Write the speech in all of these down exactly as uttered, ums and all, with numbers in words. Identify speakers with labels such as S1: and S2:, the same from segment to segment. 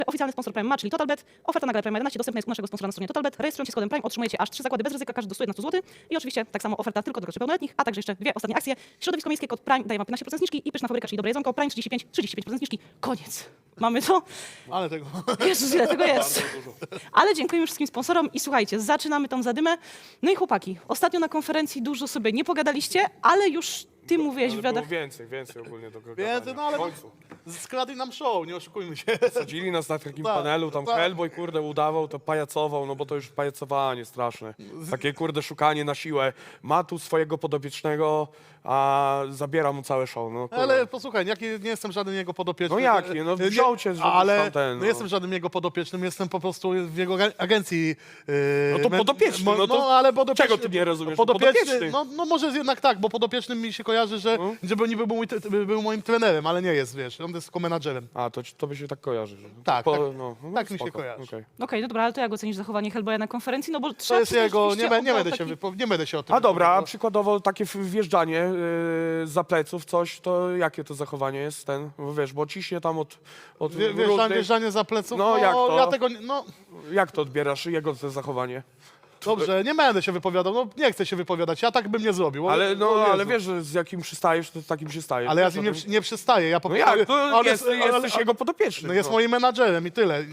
S1: Oficjalny sponsor Prime ma, czyli TotalBet. Oferta na galę Prime jedenaście dostępna jest u naszego sponsora na stronie TotalBet. Rejestrując się z kodem Prime otrzymujecie aż trzy zakłady bez ryzyka, każdy do stu jedenastu złotych. I oczywiście tak samo oferta tylko do graczy pełnoletnich, a także jeszcze dwie ostatnie akcje. Środowisko miejskie, kod Prime daje wam piętnaście procent zniżki i pyszna fabryka, czyli dobre jedzonko, Prime trzydzieści pięć, trzydzieści pięć procent zniżki. Koniec. Mamy to.
S2: Ale tego...
S1: Jezus, ile tego jest. Ale dziękujemy wszystkim sponsorom i słuchajcie, zaczynamy tą zadymę. No i chłopaki, ostatnio na konferencji dużo sobie nie pogadaliście, ale już ty mówiłeś w
S3: Ale
S1: wywiadach.
S3: było więcej, więcej ogólnie do gadania.
S2: Więcej, no ale
S3: W końcu.
S2: skradli nam show, nie oszukujmy się.
S3: Sadzili nas na takim
S2: Tak,
S3: panelu, tam
S2: tak.
S3: Hellboy, kurde, udawał, to pajacował, no bo to już pajacowanie straszne. Takie, kurde, szukanie na siłę. Ma tu swojego podopiecznego, a zabiera mu całe show, no kurde.
S2: Ale posłuchaj, jak nie, nie jestem żadnym jego podopiecznym.
S3: No jak nie? No
S2: Nie-
S3: wziął cię, żebyś
S2: Ale
S3: tam ten,
S2: nie
S3: no.
S2: jestem żadnym jego podopiecznym, jestem po prostu w jego aga- agencji. Yy,
S3: No to
S2: men-
S3: podopieczny,
S2: mo-
S3: no to
S2: ale podopieczny,
S3: czego ty nie rozumiesz?
S2: Podopieczny,
S3: Podopieczny.
S2: no, no może jednak tak, bo podopiecznym mi się kojarzy, że
S3: No.
S2: żeby niby był, mój, tre- był moim trenerem, ale nie jest, wiesz, on jest tylko menadżerem.
S3: A, to, ci- to by się tak kojarzy. Że...
S2: Tak,
S3: po,
S2: tak.
S3: no, no,
S2: Tak mi się
S3: spoko,
S2: kojarzy.
S3: okej.
S1: Okej, no dobra, ale to jak ocenisz zachowanie Hellboya na konferencji? No bo
S2: To
S1: trzeba
S2: jest
S1: przyznać,
S2: jego, nie,
S1: rzeczywiście
S2: be- nie,
S1: oddał
S2: będę się
S1: taki-
S2: wypo, nie będę się o tym
S3: A dobra, a
S2: wypowiadał.
S3: przykładowo takie w- wjeżdżanie yy, za pleców, coś, to jakie to zachowanie jest ten? Bo wiesz, bo ciśnie tam od, od
S2: Wie- Wjeżdżanie,
S3: różnych...
S2: wjeżdżanie za pleców,
S3: No,
S2: no,
S3: jak to?
S2: ja tego, nie- no
S3: Jak to odbierasz, jego to zachowanie?
S2: dobrze, nie będę się wypowiadał, no nie chcę się wypowiadać, ja tak bym nie zrobił. o-
S3: Ale, no,
S2: o Jezu.
S3: ale wiesz, że z jakim przystajesz, to z takim się stajesz.
S2: Ale ja
S3: Wiesz
S2: z nim
S3: o
S2: nie,
S3: tym?
S2: przy- nie przystaję, ja po
S3: No
S2: prostu...
S3: jak, to
S2: ale-
S3: jest,
S2: ale-
S3: jesteś jego podopieczny.
S2: No jest moim menadżerem i tyle.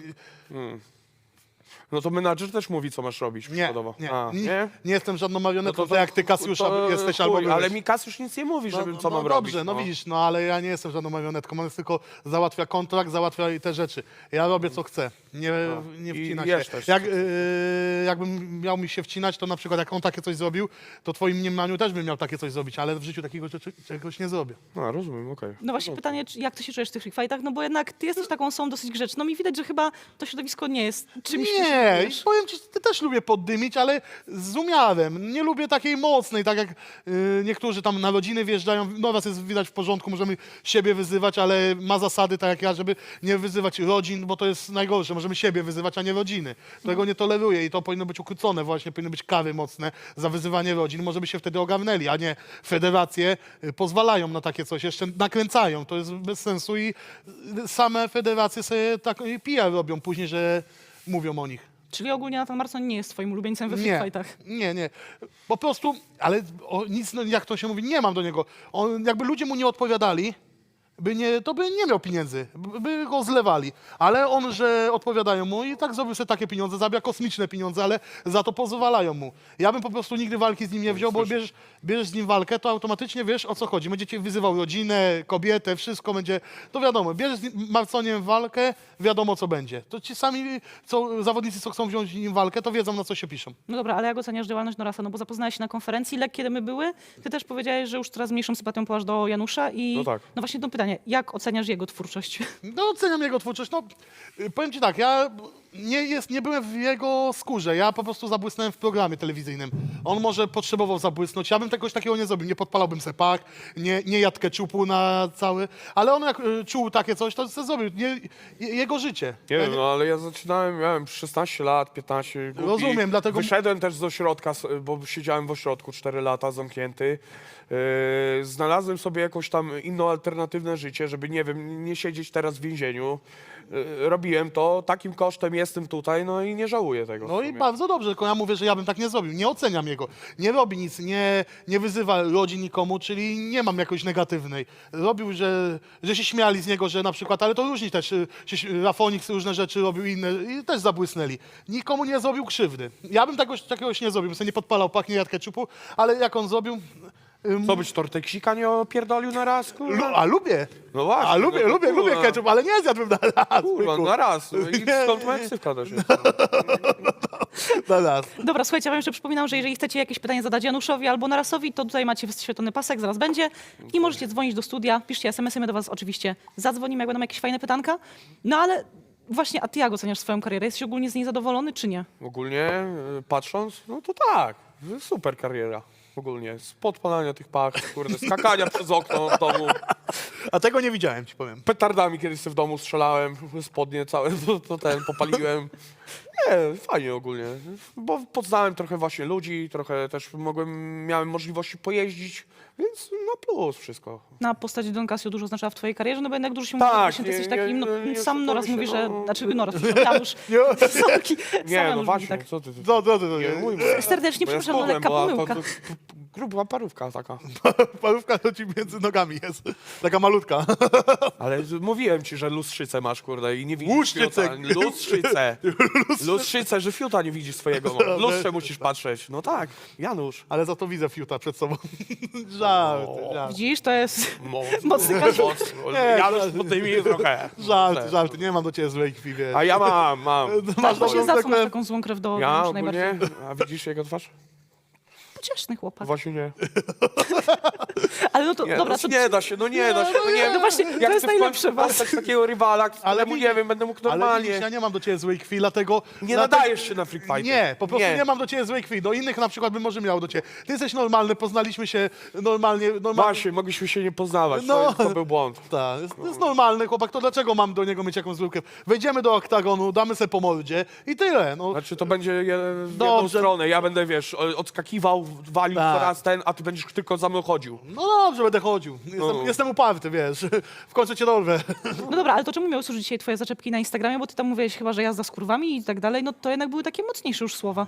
S3: No to menadżer też mówi, co masz robić,
S2: Nie,
S3: przykładowo.
S2: nie,
S3: A,
S2: nie,
S3: nie?
S2: nie jestem żadną
S3: No
S2: marionetką, to, jak ty Kasiusza
S3: to
S2: jesteś
S3: chuj,
S2: albo byłeś.
S3: Ale mi Kasiusz nic nie mówi, żebym
S2: no,
S3: co
S2: no,
S3: mam
S2: dobrze,
S3: robić.
S2: no widzisz, no ale ja nie jestem żadną marionetką, on jest tylko załatwia kontrakt, załatwia i te rzeczy. Ja robię co chcę, nie, nie
S3: I
S2: wcina
S3: jesz
S2: się.
S3: też.
S2: Jak, yy, jakbym miał mi się wcinać, to na przykład jak on takie coś zrobił, to w twoim mniemaniu też bym miał takie coś zrobić, ale w życiu takiego rzeczy, czegoś nie zrobię.
S3: A, rozumiem, okej.
S1: No właśnie pytanie, czy- jak ty się czujesz w tych free fightach? No bo jednak ty jesteś taką osobą dosyć grzeczną i widać, że chyba to środowisko nie jest czymś, czym się
S2: Nie,
S1: czujesz.
S2: i powiem ci, ty też lubię poddymić, ale z umiarem. Nie lubię takiej mocnej, tak jak y, niektórzy tam na rodziny wjeżdżają. No was jest widać w porządku, możemy siebie wyzywać, ale ma zasady, tak jak ja, żeby nie wyzywać rodzin, bo to jest najgorsze. Możemy siebie wyzywać, a nie rodziny. Tego nie toleruję i to powinno być ukrócone właśnie, powinny być kary mocne za wyzywanie rodzin. Może by się wtedy ogarnęli, a nie federacje y, pozwalają na takie coś, jeszcze nakręcają. To jest bez sensu i y, same federacje sobie tak y, P R robią później, że mówią o nich.
S1: Czyli ogólnie Nathan Marson nie jest twoim ulubieńcem we free
S2: Nie,
S1: fightach.
S2: nie, nie. Po prostu, ale o, nic, no, jak to się mówi, nie mam do niego. On, jakby ludzie mu nie odpowiadali, by nie, to by nie miał pieniędzy, by, by go zlewali. Ale on, że odpowiadają mu i tak zrobił sobie takie pieniądze, zabija kosmiczne pieniądze, ale za to pozwalają mu. Ja bym po prostu nigdy walki z nim nie wziął, bo bierzesz, bierzesz z nim walkę, to automatycznie wiesz, o co chodzi. Będzie cię wyzywał rodzinę, kobietę, wszystko będzie, to wiadomo. Bierzesz z nim- Marconiem walkę, wiadomo co będzie. To ci sami co, zawodnicy, co chcą wziąć z nim walkę, to wiedzą, na co się piszą.
S1: No dobra, ale jak oceniasz działalność Norasa? No bo zapoznałeś się na konferencji, lekkie dymy były. Ty też powiedziałeś, że już coraz mniejszą sympatią połasz do Janusza i
S3: No tak.
S1: no właśnie to pytanie, jak oceniasz jego twórczość?
S2: No oceniam jego twórczość. No, y, powiem ci tak, ja nie, jest, nie byłem w jego skórze. Ja po prostu zabłysnąłem w programie telewizyjnym. On może potrzebował zabłysnąć. Ja bym czegoś takiego nie zrobił. Nie podpalałbym se pak, nie, nie jadł keczupu na cały. Ale on jak y, czuł takie coś, to se zrobił. Nie, je- jego życie.
S3: Nie
S2: Ja
S3: wiem, no ale ja zaczynałem, miałem szesnaście lat, piętnaście. Głupi.
S2: Rozumiem, dlatego-
S3: Wyszedłem też z ośrodka, s- bo siedziałem w ośrodku cztery lata zamknięty. Yy, znalazłem sobie jakąś tam inną, alternatywne życie, żeby, nie wiem, nie siedzieć teraz w więzieniu. Yy, robiłem to, takim kosztem jestem tutaj, no i nie żałuję tego. w
S2: No i
S3: sumie.
S2: bardzo dobrze, tylko ja mówię, że ja bym tak nie zrobił. Nie oceniam jego. Nie robi nic, nie, nie wyzywa rodzin nikomu, czyli nie mam jakoś negatywnej. Robił, że, że się śmiali z niego, że na przykład, ale to różni też, y, się, Rafonix różne rzeczy robił inne i też zabłysnęli. Nikomu nie zrobił krzywdy. Ja bym tegoś, takiegoś nie zrobił, bym sobie nie podpalał pak, nie jadł keczupu, ale jak on zrobił... ym,
S3: Co być torteksika nie opierdolił na raz, kurwa?
S2: lu, a lubię.
S3: No właśnie,
S2: A lubię,
S3: no to
S2: lubię,
S3: kurwa.
S2: lubię ketchup, ale nie zjadłbym na raz.
S3: Kurwa,
S2: byku.
S3: na raz. I
S2: Nie,
S3: stąd
S2: nie,
S3: moja
S2: nie.
S3: ksywka też jest.
S2: Na raz.
S1: Dobra, słuchajcie, ja wam jeszcze przypominam, że jeżeli chcecie jakieś pytanie zadać Januszowi albo Narasowi, to tutaj macie wyświetlony pasek, zaraz będzie i możecie dzwonić do studia, piszcie es em esy, my do was oczywiście zadzwonimy, jak będą jakieś fajne pytanka. No ale właśnie, a ty jak oceniasz swoją karierę? Jesteś ogólnie z niej zadowolony, czy nie?
S3: Ogólnie y, patrząc, no to tak, super kariera. Ogólnie, z podpalania tych pach, kurde, skakania przez okno w domu.
S2: A tego nie widziałem, ci powiem.
S3: Petardami kiedyś sobie w domu strzelałem, spodnie całe, to, to ten, popaliłem. Nie, fajnie ogólnie, bo poznałem trochę właśnie ludzi, trochę też mogłem, miałem możliwości pojeździć, więc na plus wszystko.
S1: Na postać Don Casio dużo znaczyła w twojej karierze, no bo jednak dużo się
S3: Tak,
S1: mówi, że właśnie ty
S3: nie-
S1: jesteś takim, no,
S3: nie- nie
S1: sam Noraz
S3: oszukujmy
S1: mówi,
S3: się,
S1: że,
S3: no.
S1: znaczy Noraz, przepraszam, Janusz,
S2: Nie,
S1: Soki, sam
S3: Nie,
S1: Janusz
S3: no
S1: mówi
S3: właśnie,
S1: tak.
S3: co ty, ty
S2: no, no, no, no,
S3: nie,
S2: nie.
S3: mój,
S1: Serdecznie
S3: bo ja
S1: przepraszam, no,
S3: schudłem,
S1: lekka
S3: była to-
S1: pomyłka.
S3: to- to Gruba parówka taka.
S2: Parówka to ci między nogami jest. Taka malutka.
S3: Ale z- mówiłem ci, że lustrzycę masz, kurde, i nie widzisz
S2: Łuszczycę.
S3: fiuta. Lustrzycę. Lustrzycę, że fiuta nie widzisz swojego. No. W lustrze musisz patrzeć. No tak, Janusz.
S2: Ale za to widzę fiuta przed sobą. Żarty, żarty.
S1: Widzisz, to jest
S3: Moc,
S1: mocny kaziu.
S3: moc. Janusz pod tymi trochę.
S2: Żarty, żarty. Nie mam do ciebie złej krwi, wiesz.
S3: A ja mam, mam.
S2: Masz
S1: Tak, właśnie
S2: taką
S1: za co masz
S2: taką-
S1: taką złą krew do
S3: Ja
S1: Janusza
S3: ogólnie,
S1: najbardziej?
S3: a widzisz jego twarz?
S1: Pocieszny chłopak.
S3: Właśnie nie.
S1: Ale no to,
S3: Nie,
S1: dobra,
S3: no,
S1: to...
S3: nie da się, no nie da się, no nie.
S1: No właśnie,
S3: Jak
S1: to
S3: chcę
S1: jest
S3: w końcu
S1: najlepsze was.
S3: postać takiego rywala, któremu
S2: widzisz-
S3: nie wiem, będę mógł
S2: Ale widzisz,
S3: normalnie.
S2: ja nie mam do ciebie złej krwi, dlatego...
S3: Nie
S2: dlatego-
S3: nadajesz się na freak fighty.
S2: Nie, po prostu nie. mam do ciebie złej krwi. Do innych na przykład bym może miał do ciebie. Ty jesteś normalny, poznaliśmy się normalnie. normalnie.
S3: Właśnie, mogliśmy się nie poznawać,
S2: No.
S3: to, to był błąd.
S2: Tak, jest, to jest normalny chłopak, to dlaczego mam do niego mieć jakąś złą krew? Wejdziemy do oktagonu, damy se po mordzie i tyle. No.
S3: Znaczy to będzie je, w jedną
S2: Dobrze.
S3: stronę, ja będę, wiesz, o- odskakiwał, walił
S2: Tak.
S3: coraz ten, a ty będziesz tylko za mną chodził.
S2: No dobrze, będę chodził. Jestem,
S3: No.
S2: jestem uparty, wiesz. W końcu cię dorwę.
S1: No dobra, ale to czemu miały służyć dzisiaj twoje zaczepki na Instagramie, bo ty tam mówiłeś chyba, że jazda z kurwami i tak dalej, no to jednak były takie mocniejsze już słowa.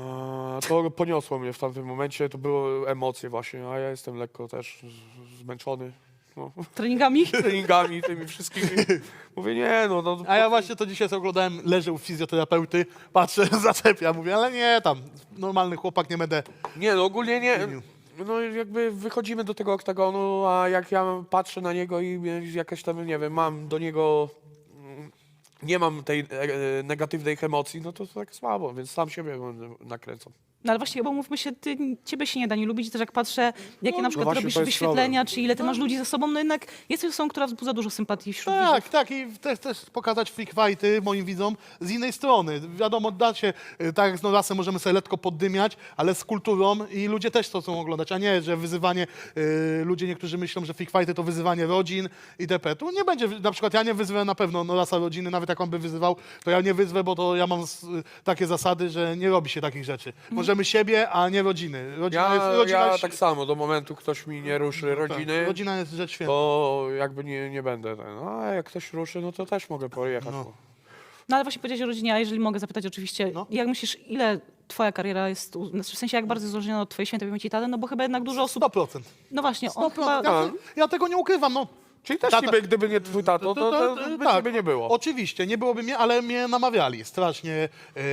S3: A, to poniosło mnie w tamtym momencie, to były emocje właśnie, a ja jestem lekko też z- zmęczony. No.
S1: Treningami?
S3: Treningami, tymi wszystkimi. Mówię, nie no, no
S2: A ja właśnie to dzisiaj sobie oglądałem, leżę u fizjoterapeuty, patrzę, zaczepia, mówię, ale nie, tam, normalny chłopak, nie będę...
S3: nie, no ogólnie nie. No jakby wychodzimy do tego oktagonu, a jak ja patrzę na niego i jakaś tam, nie wiem, mam do niego, mm, nie mam tej e, e, negatywnej emocji, no to tak słabo, więc sam siebie nakręcam.
S1: No ale właśnie, bo mówmy się, ty, ciebie się nie da nie lubić, też jak patrzę, jakie na przykład
S3: właśnie
S1: robisz
S3: to jest
S1: wyświetlenia, czy ile ty masz ludzi ze sobą, no jednak jesteś osobą, która wzbudza dużo sympatii wśród widzów.
S2: Tak, tak i też, też pokazać freak fighty moim widzom z innej strony. Wiadomo, da się, y, tak jak z Norasem możemy sobie letko poddymiać, ale z kulturą i ludzie też to chcą oglądać, a nie, że wyzywanie, y, ludzie niektórzy myślą, że freak fighty to wyzywanie rodzin itp. Tu nie będzie, na przykład ja nie wyzwę na pewno Norasa rodziny, nawet jak on by wyzywał, to ja nie wyzwę, bo to ja mam s- takie zasady, że nie robi się takich rzeczy. Możemy siebie, a nie rodziny. Rodzina jest,
S3: Ja,
S2: rodzina
S3: ja
S2: jest,
S3: tak samo, do momentu ktoś mi nie ruszy rodziny,
S2: tak, rodzina jest rzecz święta.
S3: to jakby nie, nie będę ten. No, a jak ktoś ruszy, no to też mogę pojechać.
S2: No.
S3: bo-
S1: No ale właśnie powiedziałeś o rodzinie, a jeżeli mogę zapytać oczywiście,
S2: No.
S1: jak myślisz, ile twoja kariera jest, u- w sensie jak bardzo złożona od twojej świętej pamięci taty, no bo chyba jednak dużo osób,
S2: sto procent.
S1: no właśnie, on
S2: sto procent.
S1: chyba,
S2: Ja, ja tego nie ukrywam, no.
S3: Czyli też
S2: Tata-
S3: niby, gdyby nie twój tato, to, to, to, by ciebie nie było.
S2: Oczywiście, nie byłoby mnie, ale mnie namawiali strasznie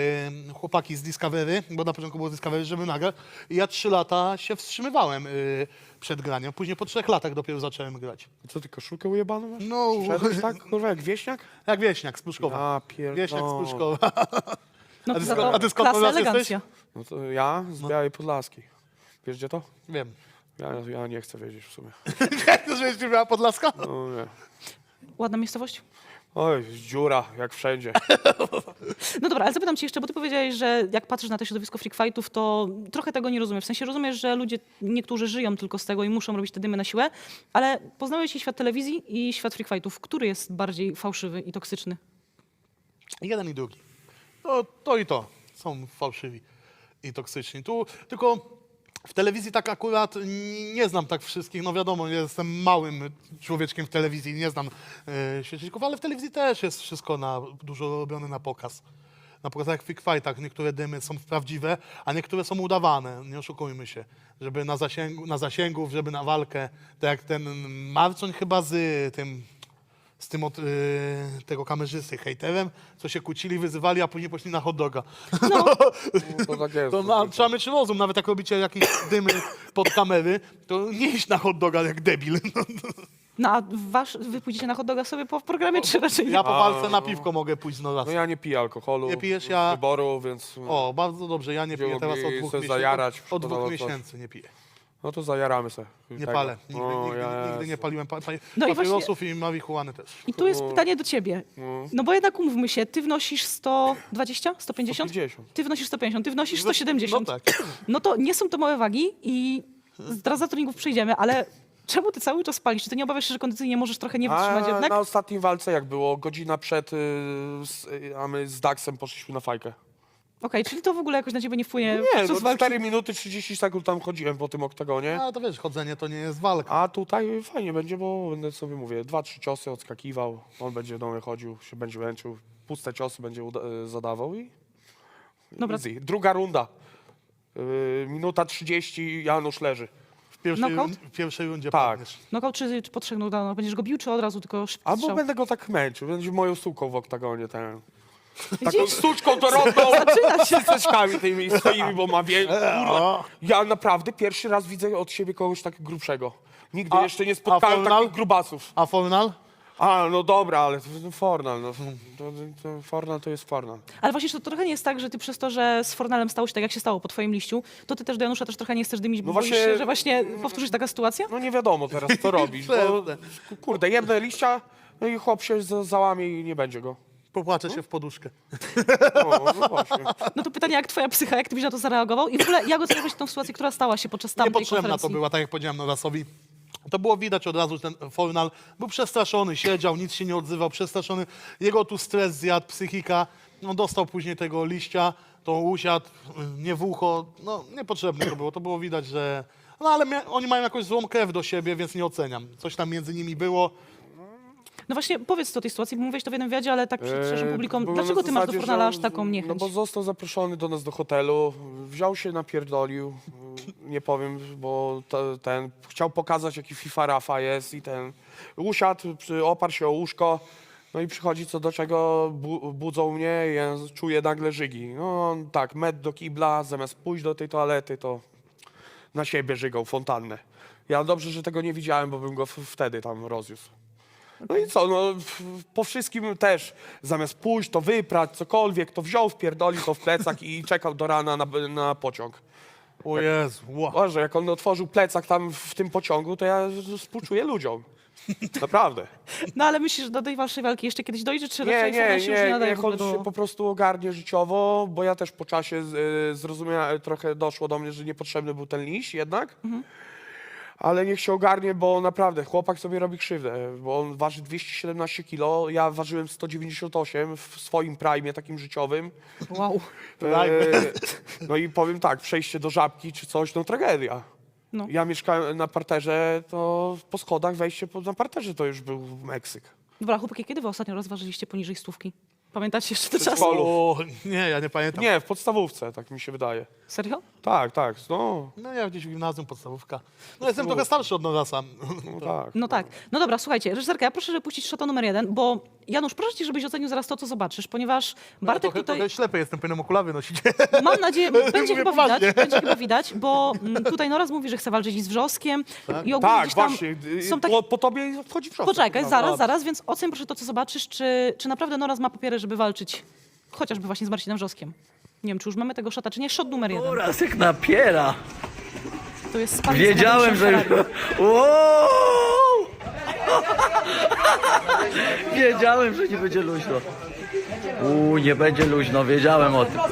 S2: e, chłopaki z Discovery, bo na początku było Discovery, żeby nagrać. I ja trzy lata się wstrzymywałem e, przed graniem. Później po trzech latach dopiero zacząłem grać.
S3: Co ty, koszulkę ujebaną masz?
S2: No,
S3: Szedłeś tak, kurwa, jak wieśniak?
S2: jak wieśniak z Pruszkowa.
S3: A pierdolę.
S2: Wieśniak z Pruszkowa.
S1: no
S2: A ty
S1: za
S2: skąd-
S1: to
S2: a ty skąd
S1: klasa,
S2: u nas jesteś?
S1: elegancja.
S3: No to ja z Białej Podlaskiej. Wiesz gdzie to?
S2: Wiem.
S3: Ja, ja nie chcę wiedzieć w sumie.
S2: To żebyś nie miała Podlaska?
S3: No nie.
S1: Ładna miejscowość?
S3: Oj, dziura, jak wszędzie.
S1: No dobra, ale zapytam cię jeszcze, bo ty powiedziałeś, że jak patrzysz na to środowisko freak fightów, to trochę tego nie rozumiem. W sensie rozumiesz, że ludzie, niektórzy żyją tylko z tego i muszą robić te dymy na siłę, ale poznałeś i świat telewizji i świat freak fightów. Który jest bardziej fałszywy i toksyczny?
S2: Jeden i drugi. To, to i to. Są fałszywi i toksyczni. Tu tylko w telewizji tak akurat n- nie znam tak wszystkich. No wiadomo, jestem małym człowieczkiem w telewizji, nie znam e, świeczników, ale w telewizji też jest wszystko na, dużo robione na pokaz. Na pokazach jak w freak fightach niektóre dymy są prawdziwe, a niektóre są udawane. Nie oszukujmy się. Żeby na zasięgu, na zasięgów, żeby na walkę. Tak jak ten Marcoń chyba z tym... z tym od y, tego kamerzysty, hejterem, co się kłócili, wyzywali, a później poszli na hot doga.
S3: No, to tak jest.
S2: To na, trzeba mieć rozum, nawet jak robicie jakieś dymy pod kamery, to nie iść na hot doga jak debil.
S1: No a wasz, wy pójdziecie na hot doga sobie po programie, czy raczej nie?
S2: Ja po walce na piwko mogę pójść no raz.
S3: No ja nie piję alkoholu.
S2: Nie pijesz,
S3: z
S2: ja-
S3: wyboru, więc...
S2: O, bardzo dobrze, ja nie
S3: Gdzie
S2: piję teraz od
S3: mogli
S2: dwóch
S3: se
S2: miesięcy.
S3: zajarać,
S2: Od dwóch
S3: szkoda, coś.
S2: miesięcy nie piję.
S3: No to zajaramy se.
S2: Nie
S3: tego.
S2: palę. Nigdy,
S3: O,
S2: nigdy,
S3: ja-
S2: nigdy nie paliłem pa, pa,
S1: No i
S2: papierosów i marihuany też.
S1: I tu jest
S3: No.
S1: pytanie do ciebie.
S3: No.
S1: No bo jednak umówmy się, ty wnosisz sto dwadzieścia, sto pięćdziesiąt?
S3: sto pięćdziesiąt.
S1: Ty wnosisz sto pięćdziesiąt, ty wnosisz sto siedemdziesiąt.
S2: No tak.
S1: No to nie są to małe wagi i zaraz za treningów przejdziemy, ale Czemu ty cały czas palisz? Czy ty nie obawiasz się, że kondycyjnie możesz trochę nie wytrzymać
S3: A
S1: jednak?
S3: na ostatniej walce jak było? Godzina przed, y, z, y, a my z Daxem poszliśmy na fajkę.
S1: Okej, czyli to w ogóle jakoś na ciebie nie wpłynie
S3: Nie,
S1: podczas
S3: no,
S1: walki?
S3: cztery minuty trzydzieści sekund tam chodziłem po tym oktagonie.
S2: No to wiesz, chodzenie to nie jest walka.
S3: A tutaj fajnie będzie, bo będę sobie mówię, dwa, trzy ciosy odskakiwał, on będzie do mnie chodził, się będzie męczył, puste ciosy będzie uda- y, zadawał i
S1: Dobra.
S3: easy. Druga runda. Y, minuta trzydzieści, Janusz leży.
S2: W pierwszej,
S1: Knockout?
S2: w pierwszej rundzie
S3: Tak.
S2: padniesz.
S1: Knockout czy, czy po trzech knockdownach? Będziesz go bił, czy od razu tylko szybki
S3: Albo
S1: strzał?
S3: będę go tak męczył, będzie moją suką w oktagonie ten. Taką
S1: Widzisz?
S3: sztuczką dorodną
S1: Zaczyna się.
S3: z ceczkami tymi swoimi, bo ma wie... Kurwa. Ja naprawdę pierwszy raz widzę od siebie kogoś tak grubszego. Nigdy
S2: A-
S3: jeszcze nie
S2: a
S3: spotkałem
S2: Fornal?
S3: takich grubasów.
S2: A Fornal?
S3: A, no dobra, ale to, to Fornal, no. To, to Fornal to jest Fornal.
S1: Ale właśnie, że to trochę nie jest tak, że ty przez to, że z Fornalem stało się tak, jak się stało po twoim liściu, to ty też do Janusza też trochę nie chcesz dymić, bo
S3: No
S1: boisz
S3: właśnie-
S1: się, że właśnie powtórzy się taka sytuacja?
S3: No nie wiadomo teraz, co robić, bo kurde, jedne liścia, no i chłop się za- załamie i nie będzie go.
S2: Popłaczę się w poduszkę.
S3: No, no właśnie.
S1: No to pytanie, jak twoja psycha, jak ty byś na to zareagował? I w ogóle jak oceniałeś tą sytuację, która stała się podczas tamtej
S2: Niepotrzebna
S1: konferencji?
S2: to była, tak jak powiedziałem Norasowi. To było widać od razu, że ten Fornal był przestraszony, siedział, nic się nie odzywał, przestraszony. Jego tu stres zjadł, psychika. On dostał później tego liścia, to usiadł, nie w ucho. No niepotrzebne to było, to było widać, że... No ale mia- oni mają jakąś złą krew do siebie, więc nie oceniam. Coś tam między nimi było.
S1: No właśnie, powiedz o tej sytuacji, bo mówiłeś to w jednym wywiadzie, ale tak przed szerszym
S3: Eee,
S1: publiką.
S3: było
S1: Dlaczego
S3: na
S1: ty masz do
S3: zasadzie,
S1: Fornala
S3: że-
S1: aż taką
S3: No
S1: niechęć?
S3: bo został zaproszony do nas do hotelu, wziął się, napierdolił, nie powiem, bo to, ten chciał pokazać, jaki FIFA Rafa jest i ten usiadł, przy, oparł się o łóżko, no i przychodzi co do czego, bu, budzą mnie i ja czuję nagle żygi. No on tak, met do kibla, zamiast pójść do tej toalety, to na siebie żygał fontannę. Ja dobrze, że tego nie widziałem, bo bym go w, wtedy tam rozniósł. No i co, no w- po wszystkim też, zamiast pójść, to wyprać, cokolwiek, to wziął, wpierdolił to w plecak i czekał do rana na, na pociąg.
S2: O Jezu, wow.
S3: Boże, jak on otworzył plecak tam w tym pociągu, to ja współczuję ludziom. Naprawdę.
S1: No ale myślisz, że do tej waszej walki jeszcze kiedyś dojdzie, czy
S3: Nie,
S1: raczej
S3: nie,
S1: Fornal się już nie
S3: nie,
S1: nadaje w
S3: niech
S1: ogóle
S3: on
S1: do...
S3: się po prostu ogarnie życiowo, bo ja też po czasie y, zrozumiałem, trochę doszło do mnie, że niepotrzebny był ten liść jednak. Ale niech się ogarnie, bo naprawdę chłopak sobie robi krzywdę, bo on waży dwieście siedemnaście kilo, ja ważyłem sto dziewięćdziesiąt osiem w swoim prime takim życiowym.
S1: Wow.
S3: E, no i powiem tak, przejście do Żabki czy coś, no tragedia.
S1: No.
S3: Ja mieszkałem na parterze, to po schodach wejście po, na parterze to już był Meksyk.
S1: Dobra, chłopaki, kiedy wy ostatnio rozważyliście poniżej stówki? Pamiętacie jeszcze te czasy?
S3: Przedszkolu.
S2: O, nie, ja nie pamiętam.
S3: Nie, w podstawówce, tak mi się wydaje.
S1: Serio?
S3: Tak, tak, no,
S2: No ja gdzieś w gimnazjum, podstawówka. No jestem trochę starszy od Norasa.
S3: no tak.
S1: No tak. No dobra, słuchajcie, reżyserka, ja proszę, żeby puścić szota numer jeden, bo Janusz, proszę cię, żebyś ocenił zaraz to, co zobaczysz, ponieważ Bartek
S2: trochę,
S1: tutaj...
S2: trochę ślepy jestem, powinienem okulary nosić.
S1: Mam nadzieję, będzie
S2: Mówię
S1: chyba
S2: poważnie.
S1: widać, będzie chyba widać, bo mm, tutaj Noraz mówi, że chce walczyć z Wrzoskiem i ogólnie
S3: Tak,
S1: gdzieś tam
S3: właśnie, y,
S1: są takie...
S3: po, po tobie wchodzi wrzosek.
S1: Poczekaj,
S3: No,
S1: zaraz,
S3: no.
S1: zaraz, więc ocen proszę to, co zobaczysz, czy, czy naprawdę Noraz ma papiery, żeby walczyć chociażby właśnie z Marcinem Wrzoskiem. Nie wiem, czy już mamy tego szota, czy nie. Szot numer jeden.
S4: Rasek napiera.
S1: To jest sparring z
S4: Wiedziałem, że już...
S1: Ferrari.
S4: Wow! Wiedziałem, że nie będzie luźno. Uuu, nie będzie luźno, wiedziałem o tym.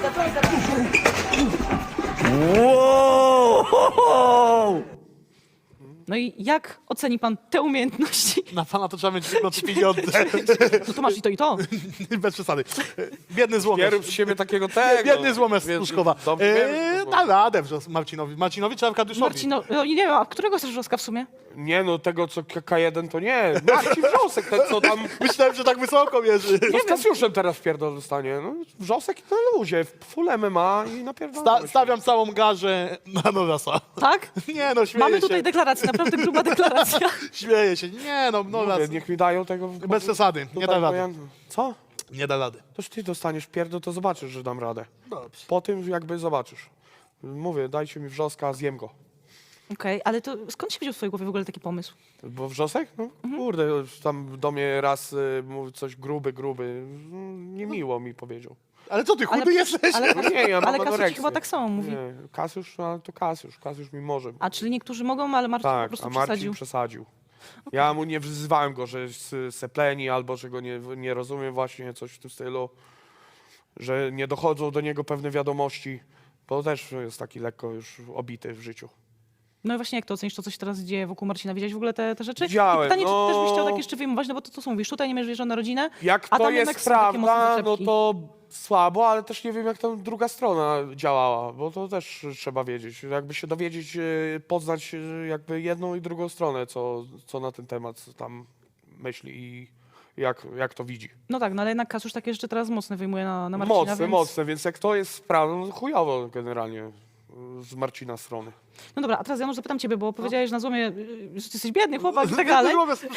S4: Wow!
S1: No i jak oceni pan te umiejętności?
S2: Na pana to trzeba mieć tylko pieniądze.
S1: No to masz i to, i to.
S2: Bez przesady. Biedny złomiarz.
S3: Bierę z siebie takiego tego.
S2: Biedny złomiarz z
S3: Więc
S2: Pruszkowa.
S3: dobrze
S2: Eee,
S3: wiem,
S2: da radę wrzos Marcinowi. Marcinowi czy Arkadiuszowi?
S1: Marcino, no, nie wiem, a którego chcesz Wrzoska w sumie?
S3: Nie no, tego co K jeden to nie. Marcin Wrzosek, ten co tam...
S2: Myślałem, że tak wysoko mierzy.
S3: No z Kasiuszem teraz wpierdol dostanie. No, Wrzosek na luzie, full M M A i napierdolamy
S2: Sta
S3: się.
S2: stawiam całą garzę na Norasa.
S1: Tak?
S2: Nie no, śmieję
S1: Mamy
S2: się.
S1: tutaj deklarację, naprawdę gruba deklaracja.
S2: Śmieję się. Nie no, Noras.
S3: Mówię, niech mi dają tego... w-
S2: Bez przesady. Nie
S3: tutaj,
S2: da
S3: bo
S2: rady.
S3: ja- Co?
S2: Nie da rady.
S3: Toż ty dostaniesz pierdol, to zobaczysz, że dam radę.
S2: Dobrze.
S3: Po tym jakby zobaczysz. Mówię, dajcie mi Wrzoska, zjem go.
S1: Okej, ale to skąd się wziął w twojej głowie w ogóle taki pomysł?
S3: Bo Wrzosek? No kurde, już tam do mnie raz y, mówił coś gruby, gruby. Mm, Niemiło mi powiedział.
S2: Ale co ty, chudy
S1: Ale-
S2: jesteś?
S1: Ale,
S3: No nie, ja mam
S1: ale Kasiusz
S3: anoreksję.
S1: chyba tak samo mówi.
S3: Nie, Kasiusz, no, ale to Kasiusz, Kasiusz mi może.
S1: A czyli niektórzy mogą, ale Marcin po
S3: Tak,
S1: prostu
S3: a Marcin
S1: przesadził.
S3: przesadził. Ja mu nie wzywałem go, że jest sepleni albo że go nie, nie rozumiem właśnie, coś w tym stylu, że nie dochodzą do niego pewne wiadomości, bo też jest taki lekko już obity w życiu.
S1: No i właśnie jak to ocenisz, to co się teraz dzieje wokół Marcina? Widziałeś w ogóle te, te rzeczy?
S3: Widziałem,
S1: I pytanie,
S3: no.
S1: czy też byś chciał tak jeszcze wyjmować, no bo to co mówisz, tutaj nie masz wierzą na rodzinę,
S3: Jak
S1: a
S3: to
S1: tam
S3: jest
S1: jednak są takie mocne
S3: prawda, no
S1: zaczepki.
S3: to słabo, ale też nie wiem, jak tam druga strona działała, bo to też trzeba wiedzieć. Jakby się dowiedzieć, e, poznać e, jakby jedną i drugą stronę, co, co na ten temat tam myśli i jak, jak to widzi.
S1: No tak, no ale jednak Kasiusz takie rzeczy teraz mocne wyjmuje na, na Marcina,
S3: Mocne,
S1: więc...
S3: mocne, więc jak to jest prawda, no chujowo generalnie e, z Marcina strony.
S1: No dobra, a teraz Janusz, zapytam ciebie, bo powiedziałeś na złomie, y, że ty jesteś biedny chłopak i tak dalej.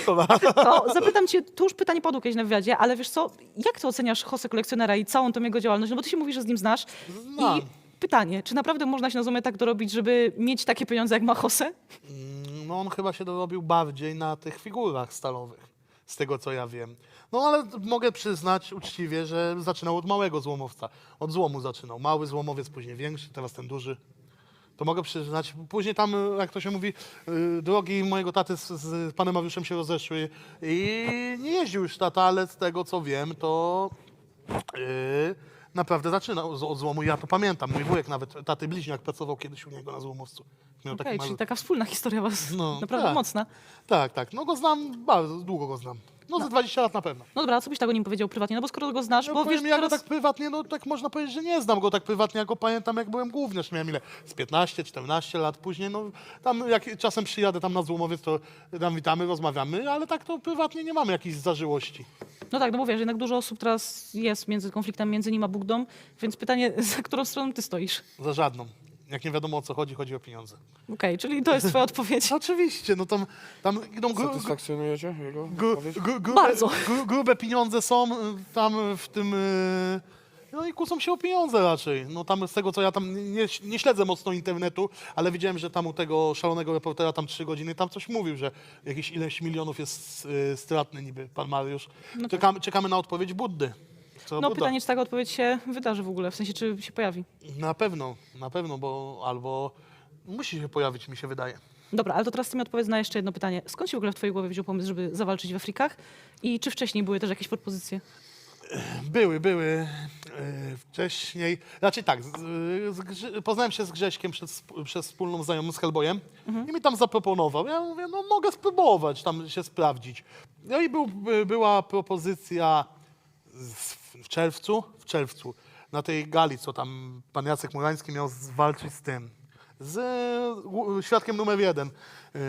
S1: To zapytam cię, tu już pytanie padło kiedyś na wywiadzie, ale wiesz co, jak ty oceniasz José Kolekcjonera i całą tą jego działalność? No bo ty się mówisz, że z nim znasz.
S2: Znam.
S1: I pytanie, czy naprawdę można się na złomie tak dorobić, żeby mieć takie pieniądze, jak ma José?
S2: No on chyba się dorobił bardziej na tych figurach stalowych, z tego co ja wiem. No ale mogę przyznać uczciwie, że zaczynał od małego złomowca. Od złomu zaczynał. Mały złomowiec, później większy, teraz ten duży. To mogę przyznać. Później tam, jak to się mówi, yy, drogi mojego taty z, z panem Mariuszem się rozeszły i nie jeździł już tata, ale z tego co wiem, to yy, naprawdę zaczynał z- od złomu. Ja to pamiętam. Mój wujek nawet, taty bliźniak, pracował kiedyś u niego na złomowcu. Miał
S1: Okej,
S2: taki
S1: czyli
S2: mały...
S1: taka wspólna historia was,
S2: No,
S1: naprawdę
S2: tak.
S1: mocna.
S2: Tak, tak. No go znam, bardzo długo go znam. No, za dwadzieścia lat na pewno.
S1: No dobra, a co byś tego nim powiedział prywatnie? No bo skoro go znasz,
S2: No,
S1: bo
S2: powiem,
S1: wiesz,
S2: ja
S1: teraz...
S2: go tak prywatnie, no tak można powiedzieć, że nie znam go tak prywatnie, ja go pamiętam jak byłem gówniarz, miałem ile? Z piętnaście, czternaście lat później, no tam jak czasem przyjadę tam na Złomowiec, to tam witamy, rozmawiamy, ale tak to prywatnie nie mamy jakichś zażyłości.
S1: No tak, no bo wiesz, jednak dużo osób teraz jest między konfliktem między nim a Bugdą, więc pytanie, za którą stroną ty stoisz?
S2: Za żadną. Jak nie wiadomo o co chodzi, chodzi o pieniądze.
S1: Okej, czyli to jest twoja odpowiedź.
S2: No, oczywiście, no tam, tam idą gru, gru,
S3: Satysfakcjonujecie jego
S2: gru,
S3: odpowiedź?
S2: gru, grube,
S1: Bardzo.
S2: gru, grube pieniądze są y, tam w tym... y, No i kłócą się o pieniądze raczej. No tam z tego co ja tam nie, nie śledzę mocno internetu, ale widziałem, że tam u tego szalonego reportera tam trzy godziny tam coś mówił, że jakieś ileś milionów jest y, stratny niby pan Mariusz. Czekamy, czekamy na odpowiedź Buddy. Co
S1: No
S2: Budda?
S1: pytanie, czy taka odpowiedź się wydarzy w ogóle, w sensie, czy się pojawi.
S2: Na pewno, na pewno, bo albo musi się pojawić, mi się wydaje.
S1: Dobra, ale to teraz ty mi odpowiedz na jeszcze jedno pytanie. Skąd się w ogóle w twojej głowie wziął pomysł, żeby zawalczyć w Afrikach? I czy wcześniej były też jakieś propozycje?
S2: Były, były e, wcześniej. Raczej tak, z, z, Grze- poznałem się z Grześkiem przez, przez wspólną znajomą z Hellboyem i mi tam zaproponował. Ja mówię, no mogę spróbować tam się sprawdzić. No i był, by, była propozycja z, w czerwcu, w czerwcu, na tej gali, co tam pan Jacek Murański miał zwalczyć z tym, z e, gu- świadkiem numer jeden e,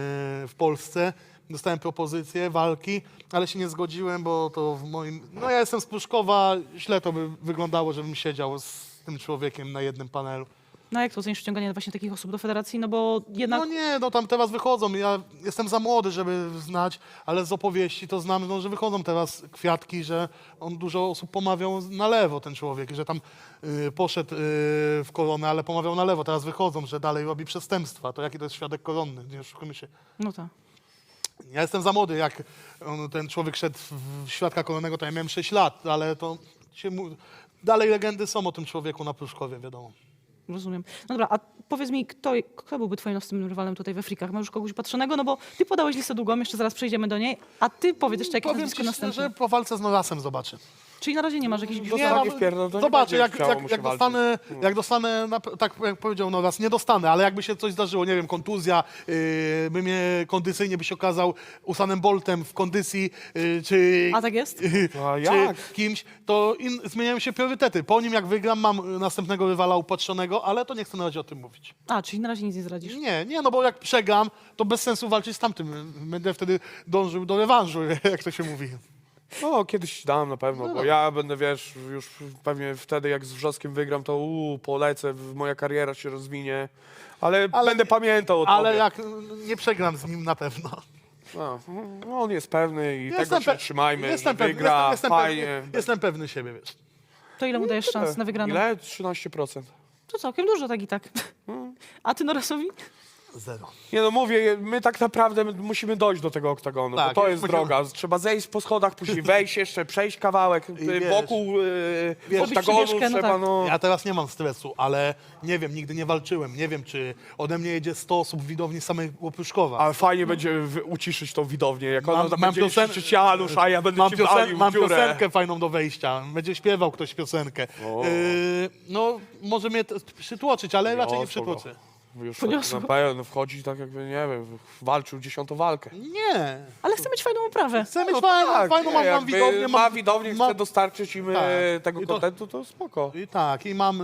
S2: w Polsce. Dostałem propozycję walki, ale się nie zgodziłem, bo to w moim... No ja jestem z Pruszkowa, źle to by wyglądało, żebym siedział z tym człowiekiem na jednym panelu.
S1: No jak to ocenisz wciąganie właśnie takich osób do federacji? No bo jednak...
S2: No nie, no tam teraz wychodzą, ja jestem za młody, żeby znać, ale z opowieści to znam, no, że wychodzą teraz kwiatki, że on dużo osób pomawiał na lewo, ten człowiek, że tam y, poszedł y, w koronę, ale pomawiał na lewo, teraz wychodzą, że dalej robi przestępstwa. To jaki to jest świadek koronny, nie oszukujmy się.
S1: No tak.
S2: Ja jestem za młody, jak on, ten człowiek szedł w świadka koronnego, to ja miałem sześć lat, ale to się mu... dalej legendy są o tym człowieku na Pruszkowie, wiadomo.
S1: Rozumiem. No dobra, a powiedz mi, kto, kto byłby twoim następnym rywalem tutaj we Frikach? Masz już kogoś patrzonego? No bo ty podałeś listę długą, jeszcze zaraz przejdziemy do niej, a ty powiedz jeszcze jakie
S2: Powiem
S1: nazwisko
S2: ci
S1: następne.
S2: szczerze, po walce z Norasem zobaczę.
S1: Czyli na razie nie masz jakichś
S3: Do
S1: gwiazd?
S2: Nie,
S3: Zobacz,
S2: no,
S3: wpierdol, to nie
S2: zobaczę,
S3: będzie
S2: jak,
S3: chciało
S2: jak,
S3: mu się
S2: jak,
S3: walczyć.
S2: dostanę, jak dostanę, na, tak jak powiedział Noras, nie dostanę, ale jakby się coś zdarzyło, nie wiem, kontuzja, yy, by mnie kondycyjnie by się okazał Usainem Boltem w kondycji, yy, czy,
S1: A tak jest?
S2: yy,
S3: A
S2: czy
S3: jak?
S2: kimś, to in, zmieniają się priorytety. Po nim jak wygram, mam następnego rywala upatrzonego, ale to nie chcę na razie o tym mówić.
S1: A, czyli na razie nic nie zdradzisz.
S2: Nie, nie, no bo jak przegram, to bez sensu walczyć z tamtym. Będę wtedy dążył do rewanżu, jak to się mówi.
S3: No, kiedyś dam na pewno,
S2: No
S3: bo
S2: dobra.
S3: ja będę, wiesz, już pewnie wtedy jak z Wrzoskiem wygram, to uu, polecę, w- moja kariera się rozwinie, ale,
S2: Ale-
S3: będę pamiętał o
S2: Ale
S3: tobie.
S2: jak nie przegram z nim na pewno.
S3: No, no, on jest pewny i tego
S2: pe-
S3: się trzymajmy,
S2: jestem
S3: że
S2: pewny,
S3: wygra,
S2: jestem, jestem,
S3: fajnie.
S2: pewny, jestem pewny siebie, wiesz.
S1: To ile mu dajesz szans na wygraną?
S3: Ile? trzynaście procent.
S1: To całkiem dużo, tak i tak. A ty Norasowi?
S2: Zero.
S3: Nie no, mówię, my tak naprawdę musimy dojść do tego oktagonu,
S2: Tak,
S3: bo to jest
S2: musimy-
S3: droga. Trzeba zejść po schodach, później wejść jeszcze, przejść kawałek y,
S2: wiesz,
S3: wokół y,
S2: wiesz,
S3: oktagonu,
S1: przywieszkę, no
S3: trzeba
S1: tak.
S3: no...
S2: Ja teraz nie mam stresu, ale nie wiem, nigdy nie walczyłem. Nie wiem, czy ode mnie jedzie sto osób w widowni samego Pruszkowa.
S3: Ale fajnie będzie w- uciszyć tą widownię, jak ona
S2: Mam-
S3: tam
S2: mam
S3: będzie
S2: piosen-
S3: krzyczeć Janusz, a ja będę
S2: Mam,
S3: ci
S2: piosen-
S3: walił
S2: mam
S3: w dziurę.
S2: piosenkę fajną do wejścia. Będzie śpiewał ktoś piosenkę.
S3: O.
S2: Yy, no, może mnie to przytłoczyć, ale raczej nie
S3: Niosło go.
S2: przytłoczy.
S3: Już
S1: Poniosło.
S3: na pełno wchodzi tak jakby, nie wiem, walczył dziesiątą walkę.
S2: Nie.
S1: Ale chcę mieć fajną oprawę.
S2: Chcę mieć
S3: No
S2: fajną,
S3: tak,
S2: fajną
S3: nie,
S2: mam, mam
S3: jakby
S2: widownię.
S3: ma
S2: Mam,
S3: widownię,
S2: mam-
S3: chce dostarczyć im
S2: Tak.
S3: e, tego
S2: I to-
S3: kontentu, to spoko.
S2: I tak, i mam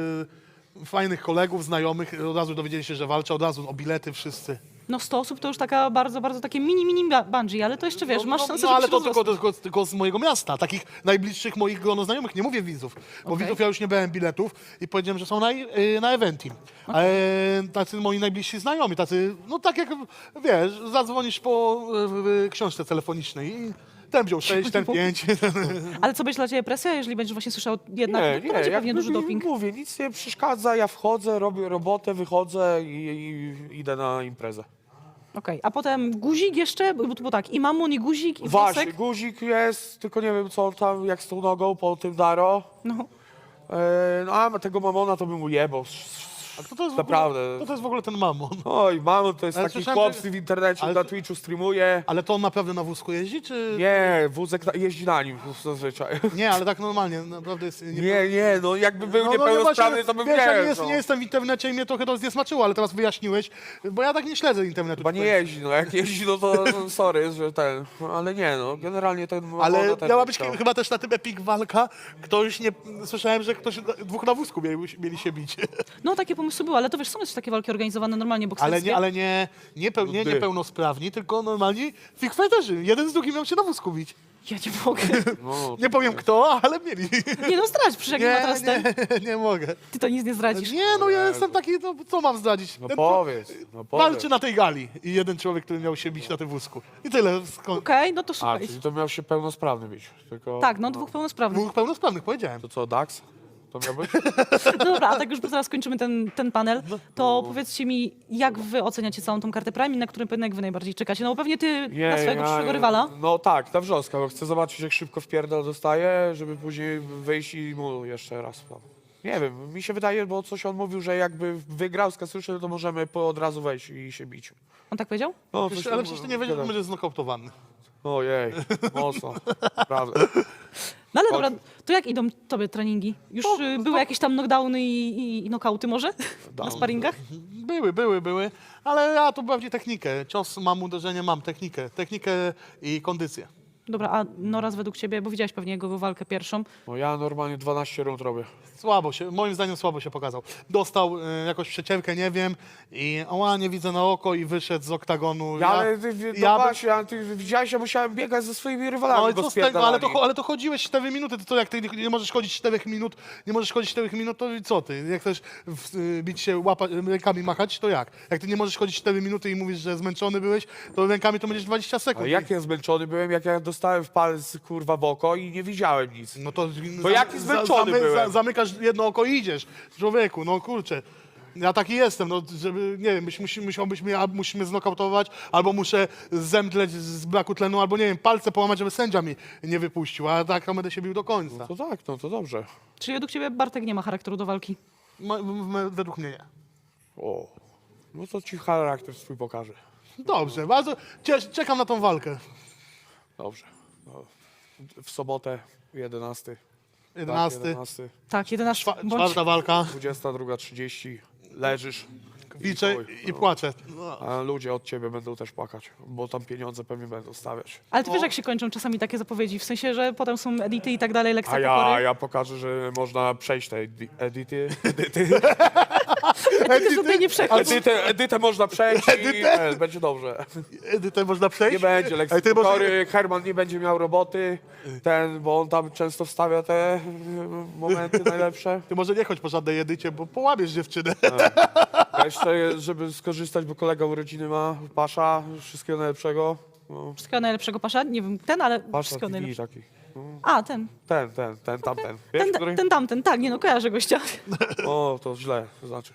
S2: y, fajnych kolegów, znajomych. Od razu dowiedzieli się, że walczę, od razu o bilety wszyscy.
S1: No sto osób to już taka bardzo, bardzo takie mini, mini ba- bungee, ale to jeszcze wiesz, masz
S2: no,
S1: szansę,
S2: no,
S1: żeby
S2: ale
S1: się
S2: to tylko,
S1: rozrosnąć.
S2: tylko, tylko z mojego miasta, takich najbliższych moich grono znajomych, nie mówię widzów, bo
S1: Okej.
S2: widzów ja już nie brałem biletów i powiedziałem, że są na, y, na Eventim. Ale tacy moi najbliżsi znajomi, tacy, no tak jak, wiesz, zadzwonisz po y, y, książce telefonicznej i ten wziął sześć, ten pięć.
S1: Ale co będzie dla ciebie presja, jeżeli będziesz właśnie słyszał jednak,
S3: Nie,
S1: to
S3: nie,
S1: będzie
S3: jak
S1: pewnie duży
S3: mi-
S1: doping.
S3: Mówię, nic nie przeszkadza, ja wchodzę, robię robotę, wychodzę i, i idę na imprezę.
S1: Okej, a potem guzik jeszcze, bo, bo tak, i mamun, i guzik, i
S3: Właśnie,
S1: włosek.
S3: guzik jest, tylko nie wiem co on tam, jak z tą nogą po tym Daro.
S1: No.
S3: E, no a tego mamona to bym ujebał.
S2: A kto to jest w
S3: Naprawdę.
S2: ogóle, kto to jest w ogóle ten mamon?
S3: Oj, mamon to jest
S2: Ale
S3: taki
S2: słyszałem,
S3: chłop
S2: że-
S3: w internecie,
S2: ale
S3: na
S2: to-
S3: Twitchu streamuje.
S2: Ale to on naprawdę na wózku jeździ, czy...
S3: Nie, wózek na, jeździ na nim zazwyczaj.
S2: Nie, ale tak normalnie, naprawdę jest...
S3: Nie, nie, no jakby był
S2: No, no,
S3: niepełnosprawny,
S2: właśnie,
S3: to bym
S2: wiesz, ja nie,
S3: nie
S2: jest,
S3: no.
S2: nie jestem w internecie i mnie trochę to zniesmaczyło, ale teraz wyjaśniłeś, bo ja tak nie śledzę internetu.
S3: Chyba nie jeździ, no jak jeździ, no to no, sorry, że ten, ale nie no, generalnie ten
S2: Ale
S3: mamona ten
S2: miała być
S3: chciał.
S2: chyba też na tym Epic walka. Ktoś nie... Słyszałem, że ktoś dwóch na wózku mieli, mieli się bić.
S1: No takie pomysły były, ale to wiesz, są jeszcze takie walki organizowane normalnie bokserskie.
S2: Ale nie, ale nie, nie, peł, nie
S3: Ty.
S2: niepełnosprawni, tylko normalni fighfighterzy. Jeden z drugim miał się na wózku bić.
S1: Ja nie mogę.
S3: No,
S2: Nie powiem kto, ale mieli.
S1: Nie no, zdradź, przecież jak nie, ma teraz ten,
S2: nie, nie mogę.
S1: ty to nic nie zdradzisz.
S2: Nie, no ja jestem taki, no co mam zdradzić?
S3: no
S2: Ten,
S3: powiedz, no
S2: co
S3: powiedz.
S2: walczy na tej gali i jeden człowiek, który miał się bić na tym wózku. I tyle. Skąd?
S1: Okej, no to
S3: A,
S1: słuchaj.
S3: czyli to miał się pełnosprawny być, tylko...
S1: Tak, no dwóch pełnosprawnych.
S2: Dwóch pełnosprawnych, powiedziałem.
S3: To co, Dax? To miał być?
S1: No dobra, a tak już zaraz kończymy ten, ten panel, to powiedzcie mi, jak wy oceniacie całą tą kartę Prime i na którym pojedynek wy najbardziej czekacie? No bo pewnie ty na swojego przyszłego rywala.
S3: No tak, na wrzoska, bo chcę zobaczyć jak szybko wpierdol dostaje, żeby później wyjść i mu jeszcze raz. No. Nie wiem, mi się wydaje, bo coś on mówił, że jakby wygrał z Kasuszy, to możemy po od razu wejść i się bić.
S1: On tak powiedział?
S3: No,
S2: Przecież,
S3: coś
S2: ale
S3: tam
S2: przecież ty nie wiedział, że
S3: gadał.
S2: będzie znokautowany.
S3: Ojej, mocno, prawda.
S1: No ale dobra, to jak idą tobie treningi? Już y, były jakieś tam knockdowny i, i, i knockouty może? Na sparingach?
S2: Były, były, były, ale ja to bardziej technikę. Cios mam, uderzenie mam, technikę. Technikę i kondycję.
S1: Dobra, a Noraz według ciebie, bo widziałeś pewnie jego walkę pierwszą.
S3: No ja normalnie dwanaście rund robię.
S2: Słabo się, moim zdaniem słabo się pokazał. Dostał y, jakąś przeciewkę, nie wiem, i oła, nie widzę na oko i wyszedł z oktagonu.
S3: Ja, ale ty, no
S2: ja bym-
S3: właśnie, ale ty widziałeś, ja musiałem biegać ze swoimi rywalami,
S2: No i
S3: go
S2: co z tego, ale to,
S3: spierdalali.
S2: ale to chodziłeś cztery minuty, to co, jak ty nie- nie możesz chodzić cztery minut, nie możesz chodzić cztery minut, to co ty? Jak chcesz w, y, bić się, łapa, rękami machać, to jak? Jak ty nie możesz chodzić cztery minuty i mówisz, że zmęczony byłeś, to rękami to będziesz dwadzieścia sekund.
S3: Ale jak ja zmęczony byłem, jak ja dostałem w palec kurwa w oko i nie widziałem nic.
S2: No to
S3: Bo jaki zmęczony byłem.
S2: zamykasz jedno oko i idziesz. Człowieku, no kurczę. Ja taki jestem, no żeby, nie wiem, musi, musiałbyś mnie, albo musi mnie znokautować, albo muszę zemdleć z braku tlenu, albo nie wiem, palce połamać, żeby sędzia mi nie wypuścił, a tak to będę się bił do końca.
S3: To tak, no to dobrze.
S1: Czyli według ciebie Bartek nie ma charakteru do walki?
S2: M- m- według mnie nie.
S3: O, no to ci charakter swój pokaże.
S2: Dobrze, bardzo cie- czekam na tą walkę.
S3: Dobrze. No, w sobotę jedenasty.
S2: jedenasty,
S3: Tak, jedenasty.
S1: Tak, jedenaście.
S2: czwa-
S1: Bądź...
S2: czwarta walka,
S3: dwudziesta druga trzydzieści. Leżysz.
S2: liczę
S3: chuj,
S2: i
S3: no.
S2: płaczę. No.
S3: A ludzie od ciebie będą też płakać, bo tam pieniądze pewnie będą stawiać.
S1: Ale ty wiesz, jak się kończą czasami takie zapowiedzi, w sensie, że potem są edity i tak dalej, lekcja
S3: A ja,
S1: pokory.
S3: ja pokażę, że można przejść te edi- edyty. Edyty.
S1: Edity sobie nie przechodź.
S3: Edytę, edytę można przejść i e, będzie dobrze.
S2: Edytę można przejść?
S3: Nie będzie lekcji
S2: Ej, ty może-
S3: pokory, Herman nie będzie miał roboty, ten, bo on tam często wstawia te e, momenty najlepsze.
S2: Ty może nie chodź po żadnej edycie, bo połamiesz dziewczynę.
S3: A jeszcze, żeby skorzystać, bo kolega urodziny ma, Pasza, wszystkiego najlepszego. No,
S1: Wszystkiego najlepszego, Pasza? Nie wiem, ten, ale
S3: Pasza
S1: wszystkiego
S3: T V
S1: najlepszego.
S3: taki. No,
S1: A, ten.
S3: ten, ten, ten, tamten. Wiesz,
S1: Ten,
S3: który?
S1: ten tamten, tak, nie no, kojarzę gościa.
S3: O, to źle, to znaczy.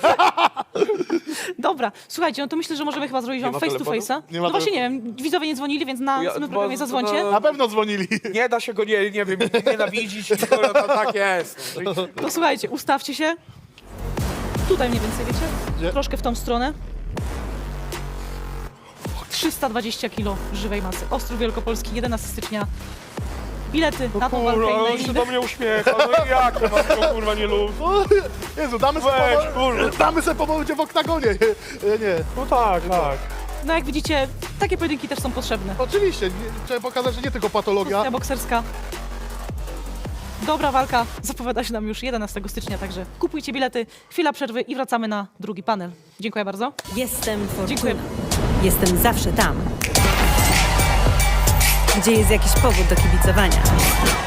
S1: Dobra, słuchajcie, no to myślę, że możemy chyba zrobić
S3: Nie
S1: wam
S3: ma
S1: face to
S3: telefonu?
S1: face'a.
S2: Nie ma
S1: No właśnie nie wiem, widzowie nie dzwonili, więc na
S3: Ja-
S1: następnym
S3: bo-
S1: programie zadzwońcie.
S3: no-
S2: Na pewno dzwonili.
S3: Nie da się go, nie, nie wiem, nienawidzić, tylko to tak jest. No i-
S1: To słuchajcie, ustawcie się. Tutaj mniej więcej, wiecie?
S2: Gdzie?
S1: Troszkę w tą stronę. trzysta dwadzieścia kilo żywej masy. Ostrów Wielkopolski, jedenastego stycznia. bilety na tą walkę
S3: Kurwa,
S1: i na
S3: on się
S1: inne.
S3: do mnie uśmiecha, no i jak to mam go kurwa nie lubię?
S2: O, Jezu, damy sobie,
S3: Weź,
S2: powo-
S3: kurwa.
S2: damy sobie powolcie w oktagonie. Nie, nie.
S3: No tak, tak.
S1: No jak widzicie, takie pojedynki też są potrzebne.
S2: Oczywiście, nie, trzeba pokazać, że nie tylko patologia.
S1: Kwestia bokserska. Dobra walka zapowiada się nam już jedenastego stycznia, także kupujcie bilety, chwila przerwy i wracamy na drugi panel. Dziękuję bardzo.
S5: Jestem Fortuna.
S1: Dziękuję.
S5: Jestem zawsze tam, gdzie jest jakiś powód do kibicowania.